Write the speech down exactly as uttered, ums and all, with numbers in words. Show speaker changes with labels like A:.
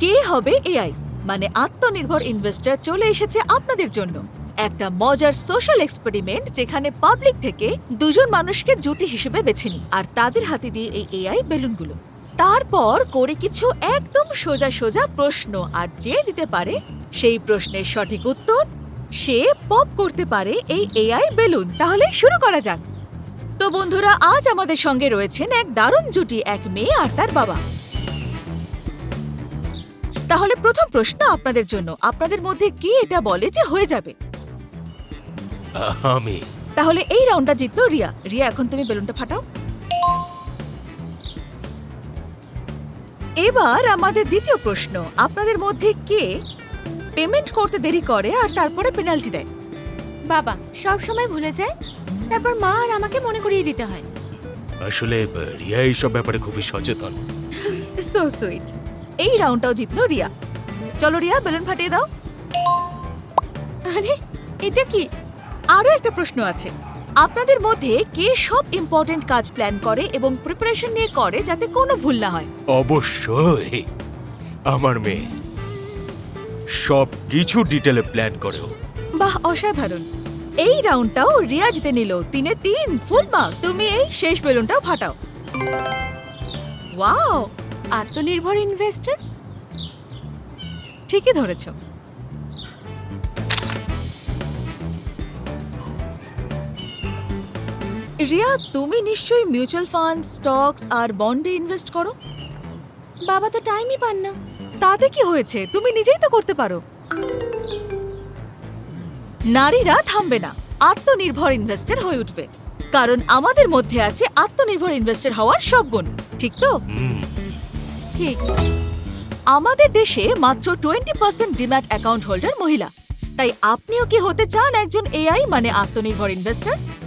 A: কে হবে এআই মানে আত্মনির্ভর ইনভেস্টর চলে এসেছে আপনাদের জন্য একটা মজার সোশ্যাল এক্সপেরিমেন্ট যেখানে পাবলিক থেকে দুজন মানুষকে জুটি হিসেবে বেছে নিই আর তাদের হাতে দিয়ে এই এআই বেলুনগুলো তারপর করে কিছু একদম সোজা সোজা প্রশ্ন আর যে দিতে পারে সেই প্রশ্নের সঠিক উত্তর সে পপ করতে পারে এই এআই বেলুন। তাহলে শুরু করা যাক। তো বন্ধুরা, আজ আমাদের সঙ্গে রয়েছেন এক দারুণ জুটি, এক মেয়ে আর তার বাবা। তাহলে প্রথম প্রশ্ন আপনাদের জন্য, আপনাদের মধ্যে কে এটা বলে যে হয়ে যাবে?
B: আমি।
A: তাহলে এই রাউন্ডটা জিতলো রিয়া। রিয়া, এখন তুমি বেলুনটা ফাটাও। এবার আমাদের দ্বিতীয় প্রশ্ন, আপনাদের মধ্যে কে পেমেন্ট করতে দেরি করে আর তারপরে পেনাল্টি দেয়?
C: বাবা সব সময় ভুলে যায়, তারপর মা আর আমাকে মনে করিয়ে দিতে হয়।
B: আসলে রিয়া এইসব ব্যাপারে খুবই সচেতন।
A: So sweet. এই রাউন্ডটাও জিতলো রিয়া। চলো রিয়া, বেলুন ফাটিয়ে দাও।
C: আরে এটা কি?
A: আরো একটা প্রশ্ন আছে, আপনাদের মধ্যে কে সব ইম্পর্টেন্ট কাজ প্ল্যান করে এবং প্রিপারেশন নিয়ে করে যাতে কোনো ভুল না হয়?
B: অবশ্যই আমার মেয়ে সব কিছু ডিটেলে প্ল্যান করেও।
A: বাহ, অসাধারণ। এই রাউন্ডটাও রিয়া জিতে নিল। তিনে তিন, ফুল মার্ক। তুমি এই শেষ বেলুনটাও ফাটাও। ওয়াও,
C: আত্মনির্ভর ইনভেস্টর।
A: ঠিকই ধরেছ। রিয়া, তুমি নিশ্চয়ই মিউচুয়াল ফান্ড, স্টকস আর বন্ডে ইনভেস্ট করো।
C: বাবা তো টাইমই পান না।
A: তাতে কি হয়েছে, তুমি নিজেই তো করতে পারো। নারীরা থামবে না, আত্মনির্ভর ইনভেস্টর হয়ে উঠবে, কারণ আমাদের মধ্যে আছে আত্মনির্ভর ইনভেস্টর হওয়ার সব গুণ। ঠিক তো?
C: ঠিক।
A: আমাদের দেশে মাত্র twenty percent demat account holder মহিলা। তাই আপনিও কি হতে চান একজন এআই মানে আত্মনির্ভর ইনভেস্টর?